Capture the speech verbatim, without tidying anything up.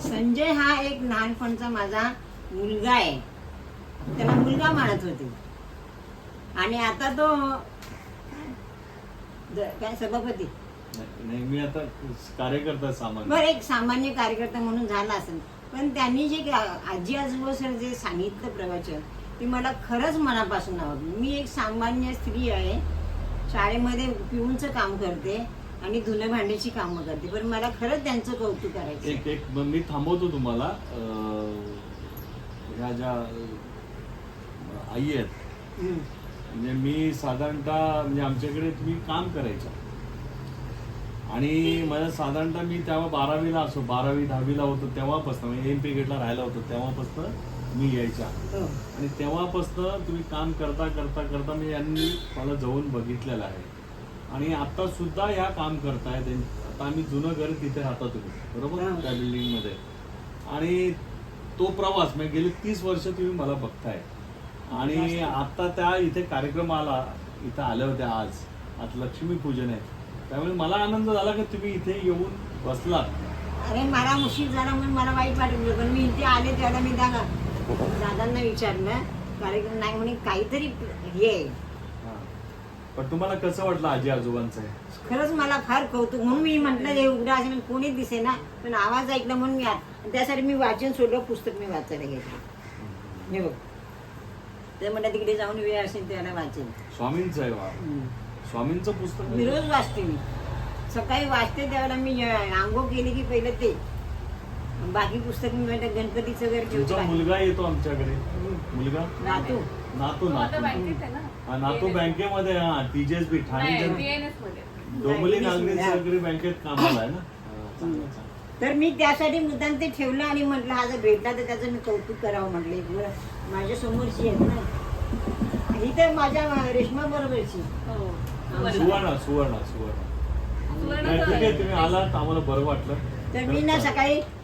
संजय हा एक लहानपणचा माझा मुलगा आहे, त्याला मुलगा मानत होते. आणि आता तो काय सभापती नाही, मी आता कार्यकर्ता सामान्य. बरं, एक सामान्य कार्यकर्ता म्हणून झाला असेल. पण त्यांनी जे आजी आजोबा सर जे सांगितलं प्रवचन, ते मला खरंच मनापासून आवडलं. मी एक सामान्य स्त्री आहे, शाळेमध्ये पिऊनचं काम करते आणि धुणं भांड्याची कामं करते, पण मला खरंच त्यांचं कौतुक करायचं. एक एक मी थांबवतो तुम्हाला. ह्या ज्या आई आहेत, म्हणजे मी साधारणतः म्हणजे आमच्याकडे तुम्ही काम करायचं आणि मला साधारणतः मी तेव्हा बारावीला असो, बारावी दहावीला होतो तेव्हापासून, म्हणजे एम पी गेटला राहायला होतो तेव्हापासून मी यायचा. आणि तेव्हापासून तुम्ही काम करता करता करता मी यांनी मला जवळून बघितलेलं आहे. आणि आता सुद्धा ह्या काम करतायत. आता आम्ही जुनं घर तिथे राहता तुम्ही, बरोबर, त्या बिल्डिंग मध्ये. आणि तो प्रवास म्हणजे गेले तीस वर्ष तुम्ही मला बघताय. आणि आता त्या इथे कार्यक्रम आला, इथं आल्या होत्या. आज आज लक्ष्मीपूजन आहे, त्यामुळे मला आनंद झाला की तुम्ही इथे येऊन बसलात. अरे मला उशीर झाला म्हणून मला वाईट वाटलं, पण मी इथे आले त्याला मी दादा दादांना विचारलं, कार्यक्रम नाही म्हणे, काहीतरी हे. पण तुम्हाला कसं वाटलं आजी आजोबांचं? खरंच मला फार कौतुक, म्हणून मी म्हटलं हे उघडा असेल, कोणीच दिसे ना, पण आवाज ऐकला म्हणून मी आत. त्यासाठी मी वाचन सोडलं, पुस्तक मी वाचायला घेतलं. हे बघ, ते म्हणलं तिकडे जाऊन वेळ असेल त्याला वाचेल. स्वामींचं आहे वा, स्वामींचं पुस्तक मी रोज वाचते. मी सकाळी वाचते त्यावेळेला मी आंघोळ केली की पहिलं ते, बाकी पुस्तक मी म्हणते गणपतीचं वगैरे तुमचा ठेवतो. मुलगा येतो आमच्याकडे, मुलगा नातू नातू नातू हा, नातू बँकेमध्ये, हा टीजेएसबी ठाणे डोंबिवली नागरी सहकारी बँकेत कामाला आहे ना. तर मी त्यासाठी मुद्दाम ते ठेवलं आणि म्हटलं हा जर भेटला तर त्याचं मी कौतुक करावं म्हटलं. माझ्या समोरची आहेत ना ही, तर माझ्या रेश्मा बरोबरची सुवर्ण सुवर्ण सुवर्ण. ठीक आहे, तुम्ही आलात, आम्हाला बरं वाटलं. तर मी ना सकाळी